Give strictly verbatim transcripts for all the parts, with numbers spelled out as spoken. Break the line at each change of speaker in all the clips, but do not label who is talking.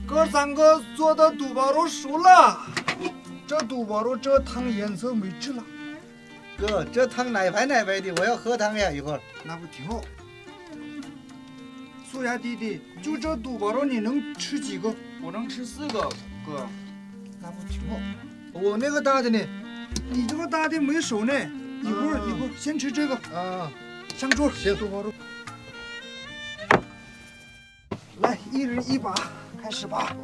哥三个做的肚包肉熟了，这肚包肉这汤颜色没治了。
哥，这汤奶白奶白的，我要喝汤呀！一会儿。
那不挺好？苏雅弟弟，就这肚包肉你能吃几个？
我能吃四个，哥。
那不挺好？我那个大的呢？你这个大的没熟呢，一会儿、嗯、一会儿先吃这个
啊。
上桌。
行，
肚包肉。来，一人一把，开始吧。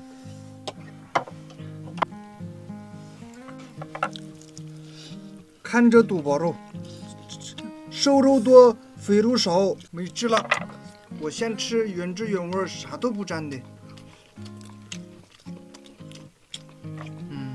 看这肚包肉，瘦肉多，肥肉少，没治了。我先吃原汁原味，啥都不沾的。嗯。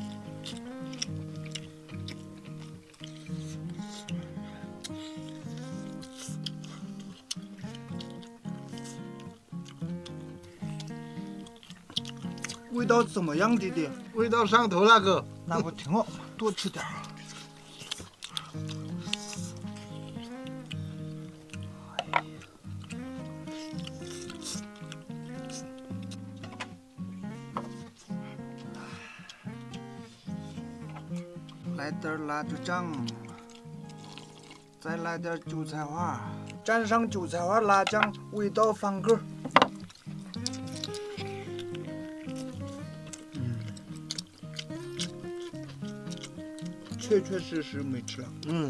味道怎么样，弟弟？
味道上头了，哥。
那不挺好？多吃点儿。来点辣椒酱，再来点韭菜花，蘸上韭菜花辣酱，味道翻个。嗯，确确实实没吃了。
嗯，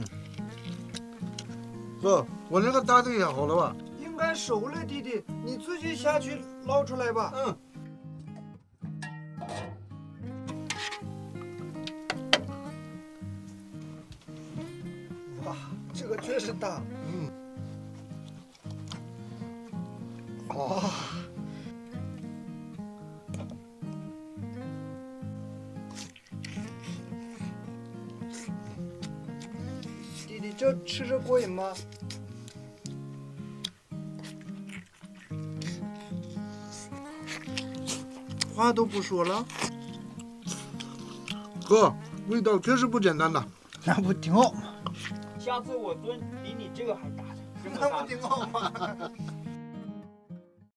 哥，我那个大的也好了吧？
应该熟了，弟弟，你自己下去捞出来吧。
嗯。
哇，这个确实大。
嗯。哦。
弟弟，这吃着过瘾吗？话都不说了。
哥，味道确实不简单呐。
那不挺好吗？
下次我炖比你这个还大的，这么大。
那不挺好吗？